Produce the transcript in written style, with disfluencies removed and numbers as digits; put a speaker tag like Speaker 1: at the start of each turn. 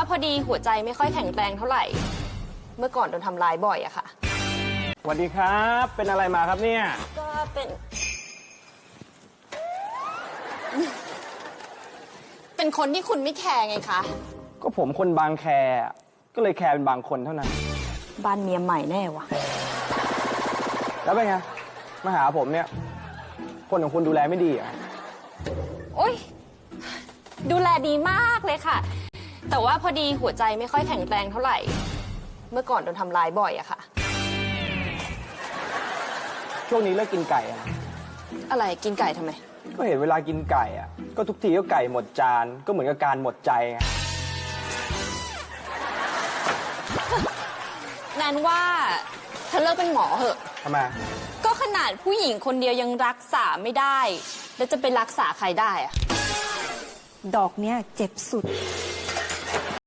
Speaker 1: พอดีหัวใจไม่ค่อยแข็งแรงเท่าไหร่ เมื่อก่อนโดนทำร้ายบ่อยอะค่ะ
Speaker 2: สวัสดีครับ เป็นอะไรมาครับเนี่ย
Speaker 1: ก็เป็นคนที่คุณไม่แคร์ไงคะ
Speaker 2: ก็ผมคนบางแคก็เลยแคร์เป็นบางคนเท่านั้น
Speaker 1: บ้านเมียใหม่แน่วะ
Speaker 2: แล้วเป็นไง มาหาผมเนี่ย คนของคุณดูแลไม่ดีเหรอ
Speaker 1: โอ๊ยดูแลดีมากเลยค่ะ แต่ว่าพอดีหัวใจไม่ค่อยแข็งแรงเท่าไหร่ เมื่อก่อนโดนทำร้ายบ่อยอะค่ะ
Speaker 2: ช่วงนี้เลิกกินไก่อะ
Speaker 1: อะไรกินไก่ทำไม
Speaker 2: ก็เห็นเวลากินไก่อะก็ทุกทีก็ไก่หมดจานก็เหมือนกับการหมดใจไง
Speaker 1: แนนว่าเธอเลิกเป็นหมอเหอะ
Speaker 2: ทำไม
Speaker 1: ก็ขนาดผู้หญิงคนเดียวยังรักษาไม่ได้ แล้วจะไปรักษาใครได้อะ
Speaker 3: ดอกเนี้ยเจ็บสุด